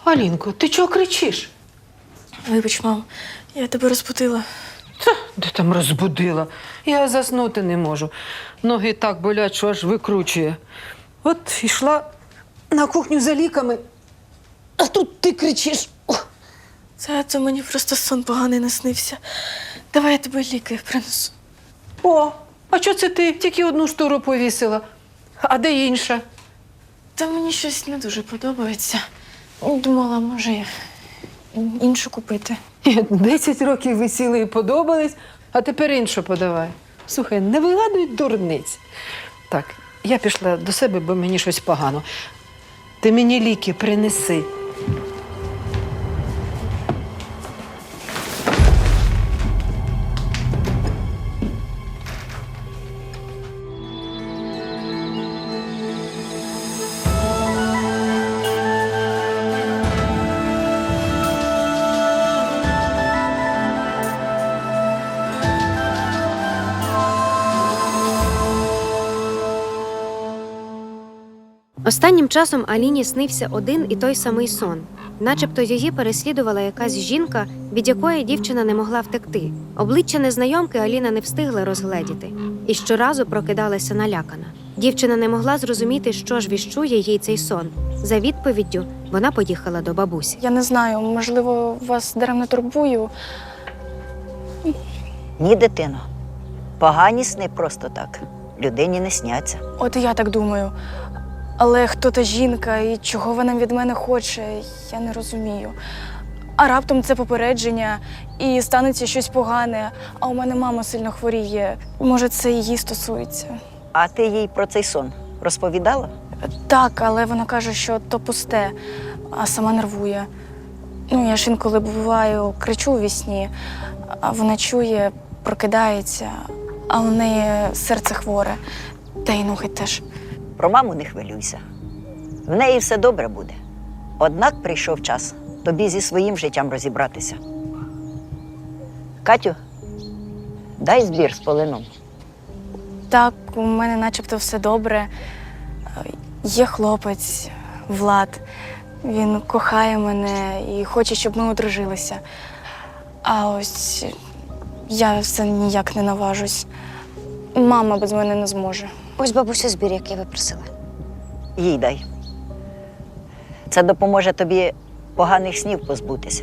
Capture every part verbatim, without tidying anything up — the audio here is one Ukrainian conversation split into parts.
Алінко, ти чого кричиш? Вибач, мам, я тебе розбудила. Та, де там розбудила? Я заснути не можу. Ноги так болять, що аж викручує. От йшла на кухню за ліками, а тут ти кричиш. Ох. Це, це мені просто сон поганий наснився. Давай я тебе ліки принесу. О, а чого це ти тільки одну штору повісила? А де інша? Та мені щось не дуже подобається. Думала, може, іншу купити. Десять років висіли і подобались, а тепер іншу подавай. Слухай, не вигадуй дурниць. Так, я пішла до себе, бо мені щось погано. Ти мені ліки принеси. Останнім часом Аліні снився один і той самий сон. Начебто її переслідувала якась жінка, від якої дівчина не могла втекти. Обличчя незнайомки Аліна не встигла розгледіти. І щоразу прокидалася налякана. Дівчина не могла зрозуміти, що ж віщує їй цей сон. За відповіддю вона поїхала до бабусі. Я не знаю, можливо, вас даремно турбую. Ні, дитино. Погані сни просто так. Людині не сняться. От і я так думаю. Але хто та жінка і чого вона від мене хоче, я не розумію. А раптом це попередження, і станеться щось погане, а у мене мама сильно хворіє. Може, це її стосується. А ти їй про цей сон розповідала? Так, але вона каже, що то пусте, а сама нервує. Ну, я ж інколи буваю, кричу у вісні, а вона чує, прокидається, а у неї серце хворе, та й ноги теж. Про маму не хвилюйся. В неї все добре буде. Однак прийшов час тобі зі своїм життям розібратися. Катю, дай збір з полином. Так, у мене начебто все добре. Є хлопець, Влад. Він кохає мене і хоче, щоб ми одружилися. А ось я все ніяк не наважусь. Мама без мене не зможе. Ось бабуся збір, який ви просили. Їй дай. Це допоможе тобі поганих снів позбутися.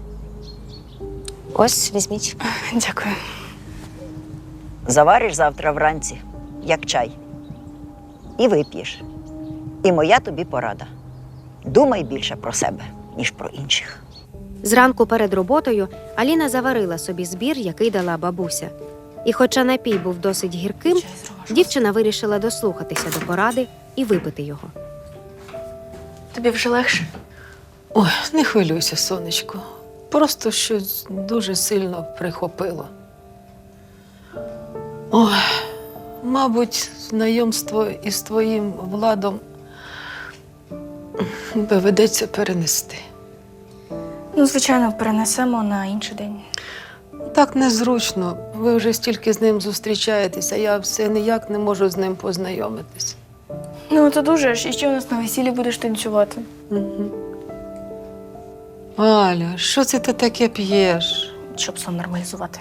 Ось, візьміть. Дякую. Завариш завтра вранці, як чай. І вип'єш. І моя тобі порада. Думай більше про себе, ніж про інших. Зранку перед роботою Аліна заварила собі збір, який дала бабуся. І хоча напій був досить гірким, дівчина вирішила дослухатися до поради і випити його. Тобі вже легше? Ой, не хвилюйся, сонечко. Просто щось дуже сильно прихопило. Ой, мабуть, знайомство із твоїм Владом доведеться перенести. Ну, звичайно, перенесемо на інший день. Так незручно. Ви вже стільки з ним зустрічаєтеся, я все ніяк не можу з ним познайомитись. Ну, то дуже ж. І ще у нас на весіллі будеш танцювати. Угу. Аля, що це ти таке п'єш? Щоб сон нормалізувати.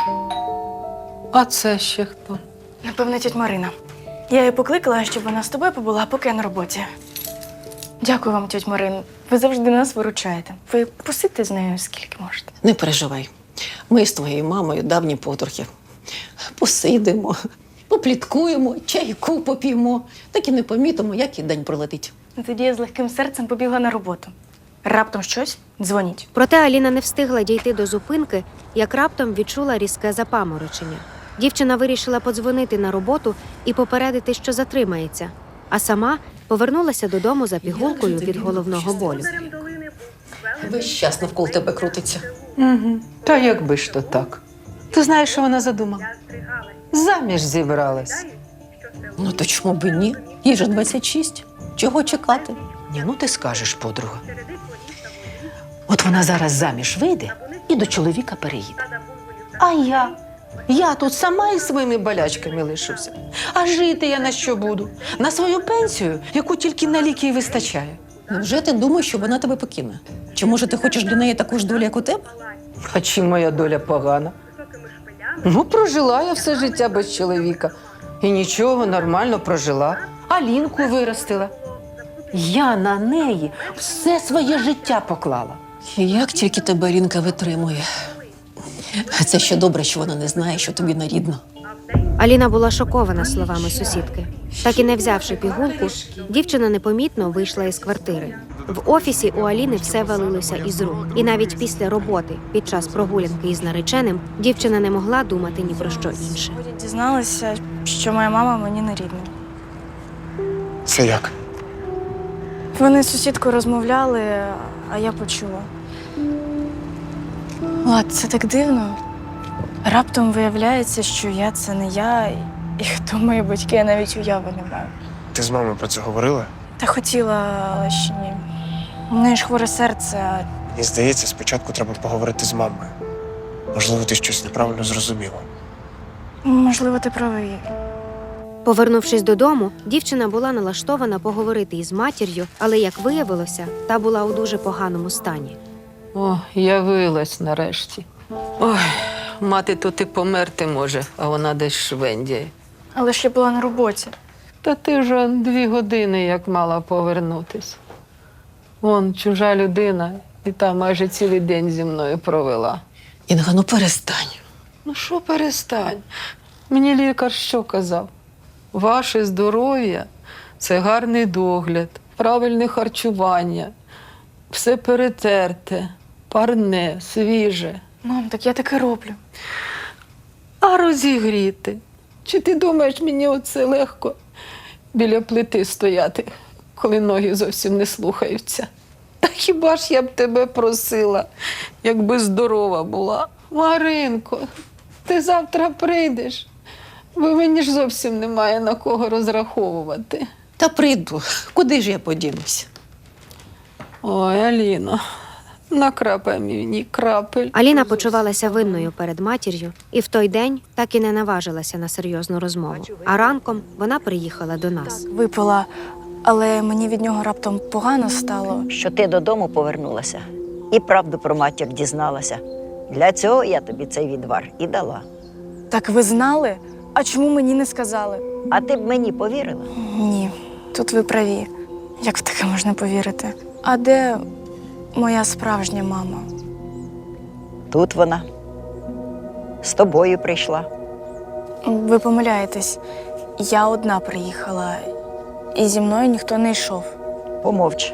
А це ще хто? Напевно, тьоть Марина. Я її покликала, щоб вона з тобою побула, поки я на роботі. Дякую вам, тьоть Марин. Ви завжди нас виручаєте. Ви посидьте з нею скільки можете. Не переживай. Ми з твоєю мамою давні подруги. Посидимо, попліткуємо, чайку поп'ємо. Так і не помітимо, як і день пролетить. Тоді я з легким серцем побігла на роботу. Раптом щось – дзвоніть. Проте Аліна не встигла дійти до зупинки, як раптом відчула різке запаморочення. Дівчина вирішила подзвонити на роботу і попередити, що затримається, а сама повернулася додому за пігулкою від головного болю. Весь час навколо тебе крутиться. Угу. Та якби ж то так. Ти знаєш, що вона задумала? Заміж зібралась. Ну то чому б і ні? Їй же двадцять шість. Чого чекати? Ні, ну ти скажеш, подруга. От вона зараз заміж вийде і до чоловіка переїде. А я? Я тут сама із своїми болячками лишуся. А жити я на що буду? На свою пенсію, яку тільки на ліки й вистачає. Невже ти думаєш, що вона тебе покине? Чи може ти хочеш для неї таку ж долю, як у тебе? А чим моя доля погана? Ну, прожила я все життя без чоловіка. І нічого, нормально прожила. Алінку виростила. Я на неї все своє життя поклала. І як тільки тебе Алінка витримує. Це ще добре, що вона не знає, що тобі нарідно. Аліна була шокована словами сусідки. Так і не взявши пігулку, дівчина непомітно вийшла із квартири. В офісі у Аліни все валилося із рук. І навіть після роботи, під час прогулянки із нареченим, дівчина не могла думати ні про що інше. Дізналася, що моя мама мені не рідна. Це як? Вони з сусідкою розмовляли, а я почула. Влад, це так дивно. Раптом виявляється, що я це не я, і хто мої батьки, я навіть уяви не маю. Ти з мамою про це говорила? Та хотіла, але ще ні. У неї ж хворе серце, а Мені здається, спочатку треба поговорити з мамою. Можливо, ти щось неправильно зрозуміла. можливо, ти правий. Повернувшись додому, дівчина була налаштована поговорити із матір'ю, але, як виявилося, та була у дуже поганому стані. О, явилась нарешті. Ой, мати тут і померти може, а вона десь швендяє. Але ж я була на роботі. Та ти вже дві години як мала повернутись. Вон чужа людина, і та майже цілий день зі мною провела. Інга, ну перестань. Ну що перестань? Мені лікар що казав? Ваше здоров'я – це гарний догляд, правильне харчування, все перетерте, парне, свіже. Мам, так я таке роблю. А розігріти? Чи ти думаєш, мені оце легко біля плити стояти, коли ноги зовсім не слухаються? Та хіба ж я б тебе просила, якби здорова була? Маринко, ти завтра прийдеш, бо мені ж зовсім немає на кого розраховувати. Та прийду. Куди ж я подінусь? Ой, Аліно, накрапай мені крапель. Аліна почувалася винною перед матір'ю і в той день так і не наважилася на серйозну розмову. А ранком вона приїхала до нас. Випила, але мені від нього раптом погано стало. Що ти додому повернулася і правду про матір дізналася. Для цього я тобі цей відвар і дала. Так ви знали? А чому мені не сказали? А ти б мені повірила? Ні, тут ви праві. Як в таке можна повірити? А де моя справжня мама? Тут вона. З тобою прийшла. Ви помиляєтесь. Я одна приїхала, і зі мною ніхто не йшов. Помовч.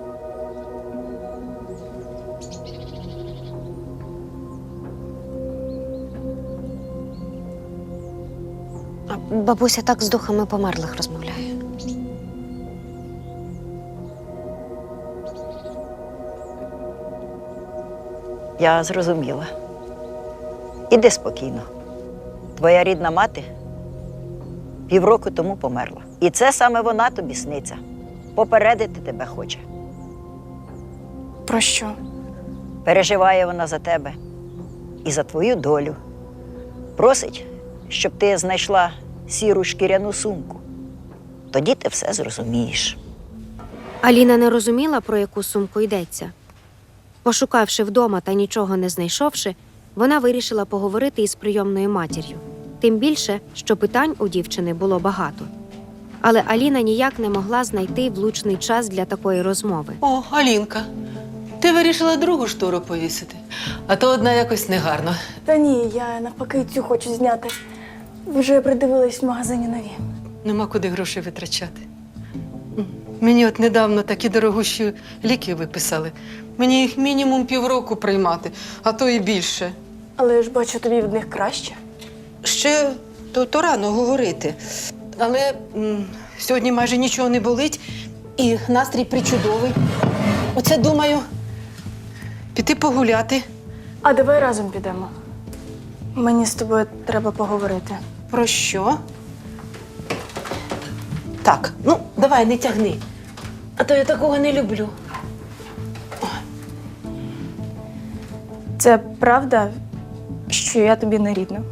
Бабуся так з духами померлих розмовляє. Я зрозуміла. Іди спокійно. Твоя рідна мати півроку тому померла. І це саме вона тобі сниться. Попередити тебе хоче. Про що? Переживає вона за тебе і за твою долю. Просить, щоб ти знайшла сіру шкіряну сумку. Тоді ти все зрозумієш. Аліна не розуміла, про яку сумку йдеться. Пошукавши вдома та нічого не знайшовши, вона вирішила поговорити із прийомною матір'ю. Тим більше, що питань у дівчини було багато. Але Аліна ніяк не могла знайти влучний час для такої розмови. О, Алінка, ти вирішила другу штору повісити, а то одна якось негарно. Та ні, я навпаки цю хочу зняти. Вже придивилась в магазині нові. Нема куди грошей витрачати. М, Мені от недавно такі дорогущі ліки виписали. Мені їх мінімум півроку приймати, а то і більше. Але я ж бачу, тобі від них краще. Ще то, то рано говорити. Але м, сьогодні майже нічого не болить і настрій причудовий. Оце думаю, піти погуляти. А давай разом підемо. Мені з тобою треба поговорити. Про що? Так, ну, давай, не тягни. А то я такого не люблю. Це правда, що я тобі не рідна?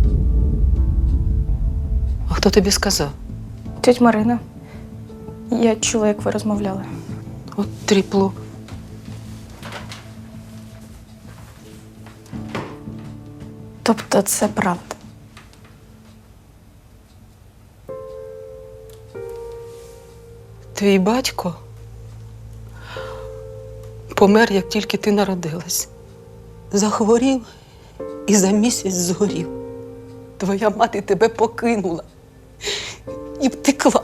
А хто тобі сказав? Тьоть Марина. Я чула, як ви розмовляли. От тріпло. Тобто це правда. Твій батько помер, як тільки ти народилась. Захворів і за місяць згорів. Твоя мати тебе покинула і втекла.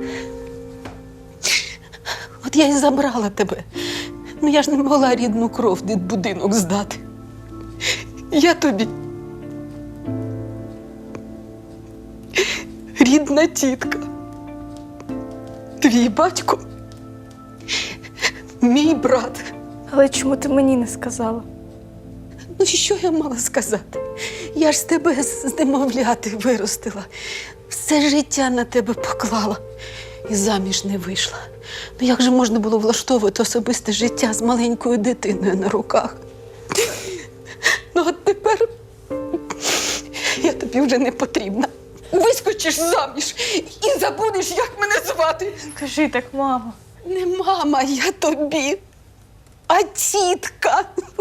От я й забрала тебе. Ну я ж не могла рідну кров від будинок здати. Я тобі рідна тітка. Твій батько мій брат. Але чому ти мені не сказала? Ну, що я мала сказати? Я ж тебе з немовляти виростила. Все життя на тебе поклала. І заміж не вийшла. Ну, як же можна було влаштовувати особисте життя з маленькою дитиною на руках? Ну, от тепер я тобі вже не потрібна. Вискочиш заміж і забудеш, як мене звати. Кажи так, мамо. Не мама я тобі, а тітка.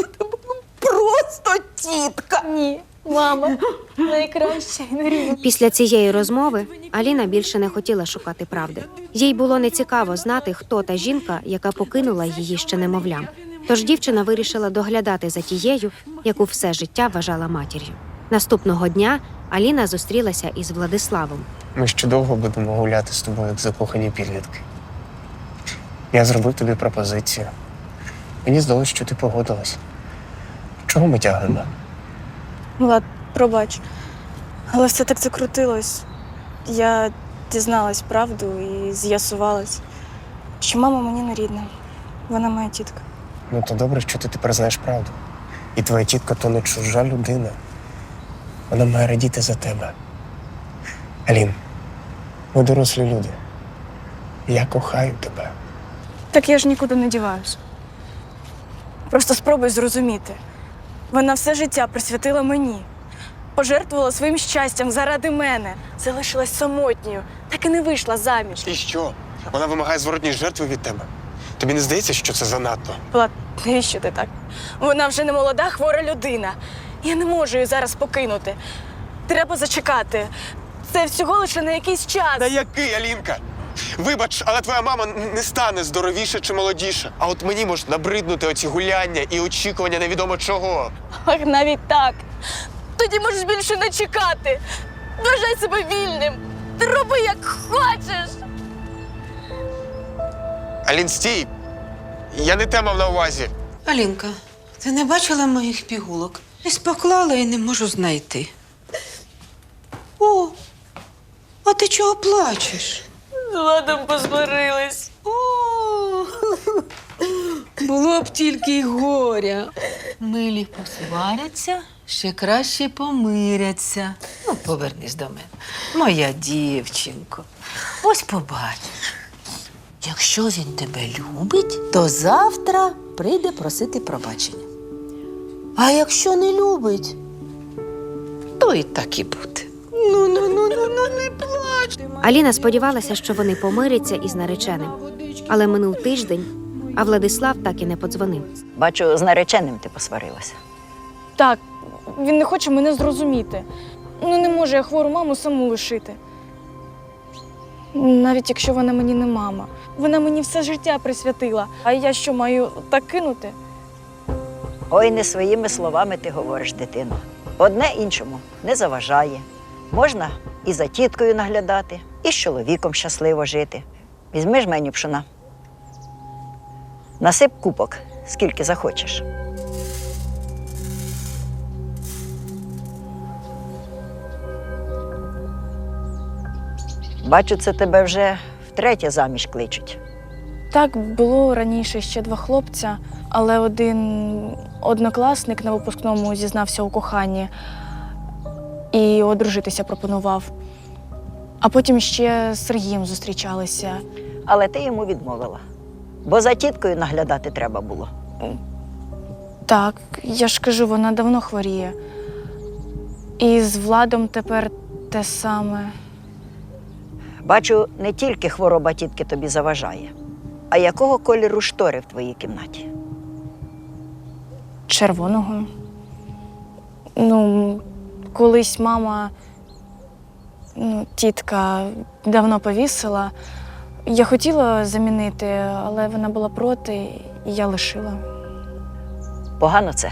Просто тітка. Ні, мама. Найкраща і найрідніша. Після цієї розмови Аліна більше не хотіла шукати правди. Їй було нецікаво знати, хто та жінка, яка покинула її ще немовлям. Тож дівчина вирішила доглядати за тією, яку все життя вважала матір'ю. Наступного дня Аліна зустрілася із Владиславом. Ми ще довго будемо гуляти з тобою, як закохані підлітки. Я зробив тобі пропозицію. Мені здалося, що ти погодилась. Чого ми тягнемо? Влад, пробач. Але все так закрутилось. Я дізналась правду і з'ясувалась, що мама мені не рідна. Вона моя тітка. Ну, то добре, що ти тепер знаєш правду. І твоя тітка то не чужа людина. Вона має радіти за тебе. Алін, ми дорослі люди. Я кохаю тебе. Так я ж нікуди не діваюсь. Просто спробуй зрозуміти. Вона все життя присвятила мені. Пожертвувала своїм щастям заради мене. Залишилась самотньою, так і не вийшла заміж. І що? Вона вимагає зворотній жертви від тебе. Тобі не здається, що це занадто? Влад, навіщо ти так? Вона вже не молода, хвора людина. Я не можу її зараз покинути. Треба зачекати. Це всього лише на якийсь час. Та який, Алінка? Вибач, але твоя мама не стане здоровіше чи молодіше. А от мені можуть набриднути оці гуляння і очікування невідомо чого. Ах, навіть так. Тоді можеш більше не чекати. Вважай себе вільним. Ти роби, як хочеш. Алін, стій! Я не те мав на увазі. Алінка, ти не бачила моїх пігулок? Десь поклала і не можу знайти. О, а ти чого плачеш? З Владом посварились. О, було б тільки й горя. Милі посваряться, ще краще помиряться. Ну, повернись до мене. Моя дівчинко. Ось побачиш. Якщо він тебе любить, то завтра прийде просити пробачення. А якщо не любить, то і так і буде. Ну, ну, ну, ну, ну, не плач. Аліна сподівалася, що вони помиряться із нареченим. Але минув тиждень, а Владислав так і не подзвонив. Бачу, з нареченим ти посварилася. Так, він не хоче мене зрозуміти. Ну не можу я хвору маму саму лишити. Навіть якщо вона мені не мама. Вона мені все життя присвятила. А я що, маю так кинути? Ой, не своїми словами ти говориш, дитино. Одне іншому не заважає. Можна і за тіткою наглядати, і з чоловіком щасливо жити. Візьми ж мені пшона. Насип купок, скільки захочеш. Бачу, це тебе вже втретє заміж кличуть. Так, було раніше ще два хлопця, але один однокласник на випускному зізнався у коханні і одружитися пропонував. А потім ще з Сергієм зустрічалися. Але ти йому відмовила. Бо за тіткою наглядати треба було. Так, я ж кажу, вона давно хворіє. І з Владом тепер те саме. Бачу, не тільки хвороба тітки тобі заважає. А якого кольору штори в твоїй кімнаті? Червоного. Ну, колись мама, ну, тітка давно повісила. Я хотіла замінити, але вона була проти, і я лишила. Погано це.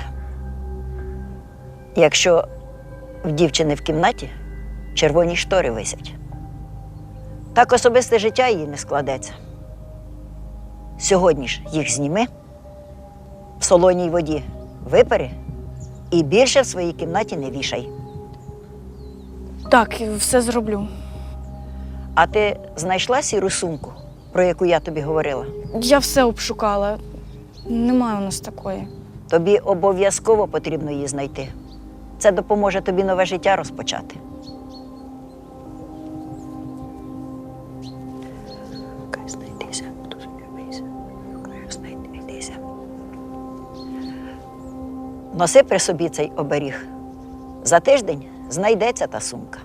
Якщо в дівчини в кімнаті червоні штори висять. Так особисте життя її не складеться. Сьогодні ж їх зніми, в солоній воді випари і більше в своїй кімнаті не вішай. Так, все зроблю. А ти знайшла сіру сумку, про яку я тобі говорила? Я все обшукала. Немає у нас такої. Тобі обов'язково потрібно її знайти. Це допоможе тобі нове життя розпочати. Носи при собі цей оберіг. За тиждень знайдеться та сумка.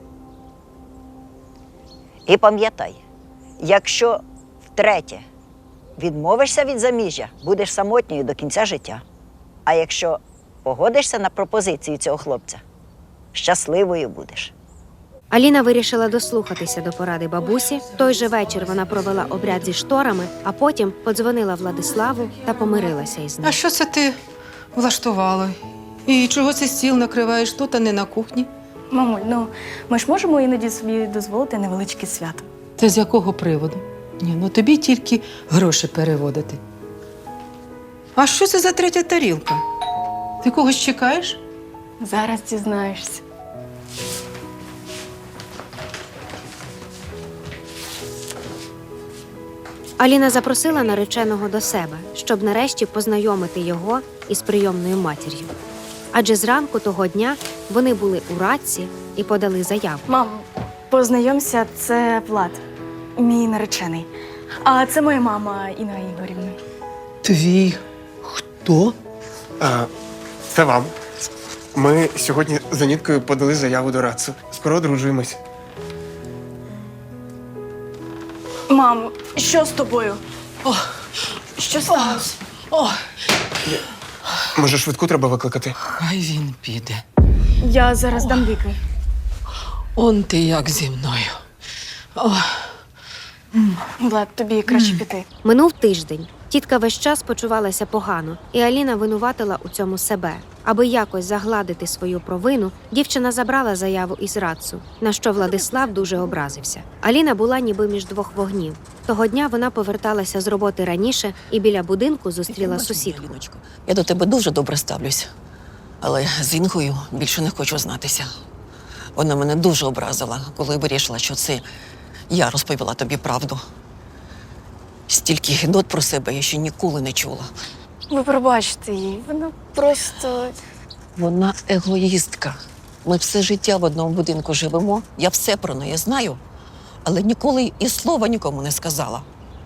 І пам'ятай, якщо втретє відмовишся від заміжжя, будеш самотньою до кінця життя. А якщо погодишся на пропозицію цього хлопця, щасливою будеш. Аліна вирішила дослухатися до поради бабусі. В той же вечір вона провела обряд зі шторами, а потім подзвонила Владиславу та помирилася із А ним. що це ти влаштувала? І чого це стіл накриваєш тут, а не на кухні? Мамуль, ну ми ж можемо іноді собі дозволити невеличке свято. Це з якого приводу? Ні, ну тобі тільки гроші переводити. А що це за третя тарілка? Ти когось чекаєш? Зараз дізнаєшся. Аліна запросила нареченого до себе, щоб нарешті познайомити його із прийомною матір'ю. Адже зранку того дня вони були у Радці і подали заяву. Мам, познайомся, це Влад, мій наречений. А це моя мама Інна Ігорівна. Твій хто? А, це вам. Ми сьогодні з Аніткою подали заяву до Рацу. Скоро одружуємось. Мам, що з тобою? О, Що сталося? о, Може, швидку треба викликати? хай він піде. Я зараз дам ліки. Он ти як зі мною. О, Влад, тобі краще піти. Минув тиждень. Тітка весь час почувалася погано, і Аліна винуватила у цьому себе. Аби якось загладити свою провину, дівчина забрала заяву із Рацу, на що Владислав дуже образився. Аліна була ніби між двох вогнів. Того дня вона поверталася з роботи раніше і біля будинку зустріла сусідку. Аліночко, я до тебе дуже добре ставлюсь, але з Інгою більше не хочу знатися. Вона мене дуже образила, коли вирішила, що це я розповіла тобі правду. Стільки гидот про себе я ще ніколи не чула. Ви пробачте її, вона просто. Вона егоїстка. Ми все життя в одному будинку живемо, я все про неї знаю, але ніколи і слова нікому не сказала.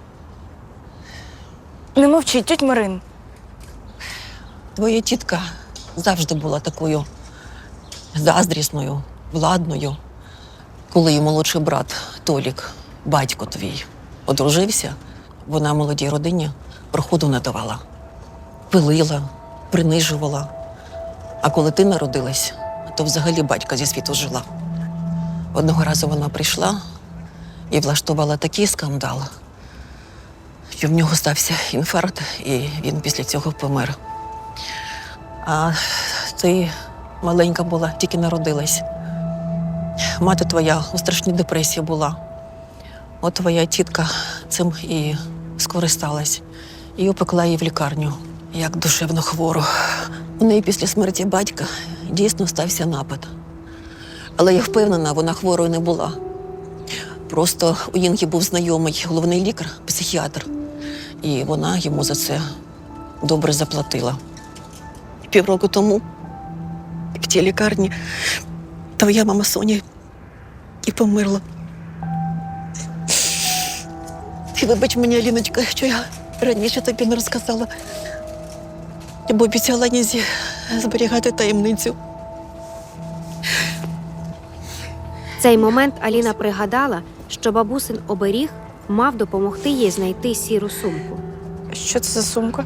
Не мовчіть, тьоть Марин. Твоя тітка завжди була такою заздрісною, владною. Коли її молодший брат Толік, батько твій, одружився, вона молодій родині проходу не давала. Пилила, принижувала. А коли ти народилась, то взагалі батька зі світу жила. Одного разу вона прийшла і влаштувала такий скандал, що в нього стався інфаркт, і він після цього помер. А ти маленька була, тільки народилась. Мати твоя у страшній депресії була. От твоя тітка цим і скористалась. І опекла її в лікарню, як душевно хвору. У неї після смерті батька дійсно стався напад. Але я впевнена, вона хворою не була. Просто у Інги був знайомий головний лікар, психіатр. І вона йому за це добре заплатила. Півроку тому в тій лікарні твоя мама Соня і померла. І вибач мені, Аліночка, що я раніше тобі не розказала, бо обіцяла Нізі зберігати таємницю. В цей момент Аліна пригадала, що бабусин оберіг мав допомогти їй знайти сіру сумку. Що це за сумка?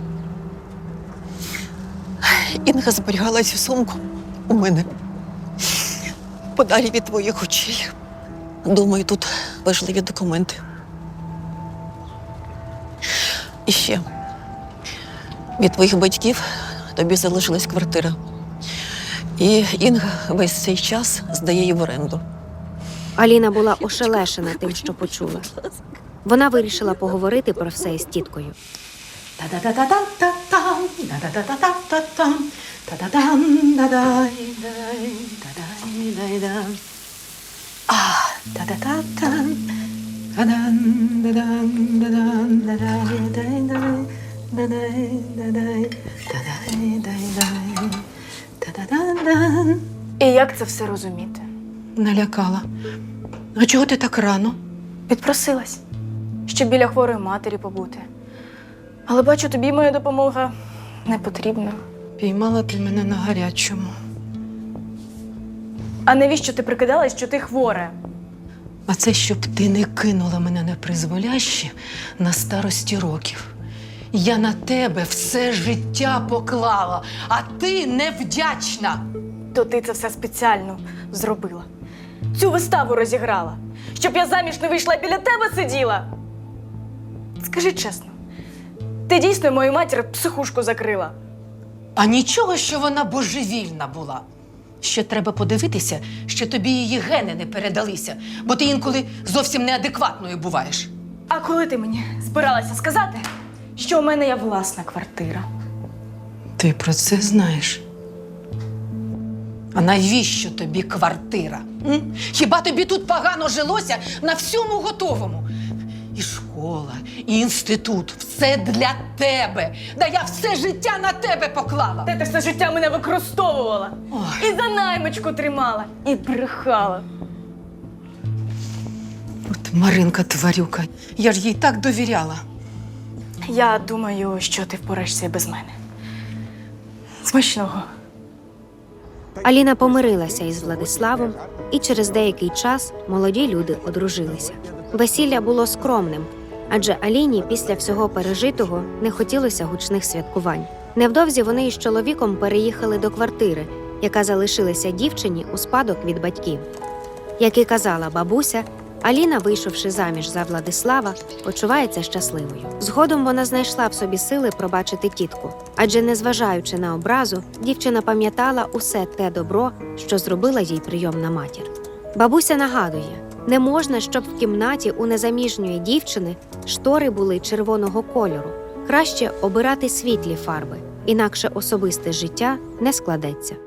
Інга зберігала цю сумку у мене подалі від твоїх очей. Думаю, тут важливі документи. І ще від твоїх батьків тобі залишилась квартира. І Інга весь цей час здає її в оренду. Аліна була ошелешена тим, що почула. Вона вирішила поговорити про все із тіткою. Та-да-да-да-да-та-там, да-да-да-да-да-та-там, та-да-дам, да-дай, дай, да-дай, дай-дам. А, та-да-та-там, та-дан, да-дан, да-дан, да-дай, дай-дай, да-дай, да-дай, да-дай, дай-дай, та-да-дан-дан. І як це все розуміти? Налякала. А чого ти так рано? Підпросилась, щоб біля хворої матері побути. Але бачу, тобі моя допомога не потрібна. Піймала ти мене на гарячому. А навіщо ти прикидалась, що ти хвора? А це щоб ти не кинула мене на призволяще на старості років. Я на тебе все життя поклала, а ти невдячна. То ти це все спеціально зробила. Цю виставу розіграла, щоб я заміж не вийшла і біля тебе сиділа. Скажи чесно, ти дійсно мою матір в психушку закрила? А нічого, що вона божевільна була. Ще треба подивитися, що тобі її гени не передалися, бо ти інколи зовсім неадекватною буваєш. А коли ти мені збиралася сказати, що у мене є власна квартира? Ти про це знаєш. А навіщо тобі квартира? М? Хіба тобі тут погано жилося на всьому готовому? І школа, і інститут – все для тебе. Да я все життя на тебе поклала. Та ти все життя мене використовувала. Ой. І за наймичку тримала, і брехала. От Маринка тварюка, я ж їй так довіряла. Я думаю, що ти впораєшся і без мене. Смачного. Аліна помирилася із Владиславом, і через деякий час молоді люди одружилися. Весілля було скромним, адже Аліні після всього пережитого не хотілося гучних святкувань. Невдовзі вони із чоловіком переїхали до квартири, яка залишилася дівчині у спадок від батьків. Як і казала бабуся, Аліна, вийшовши заміж за Владислава, почувається щасливою. Згодом вона знайшла в собі сили пробачити тітку, адже, незважаючи на образу, дівчина пам'ятала усе те добро, що зробила їй прийомна матір. Бабуся нагадує, не можна, щоб в кімнаті у незаміжньої дівчини штори були червоного кольору. Краще обирати світлі фарби, інакше особисте життя не складеться.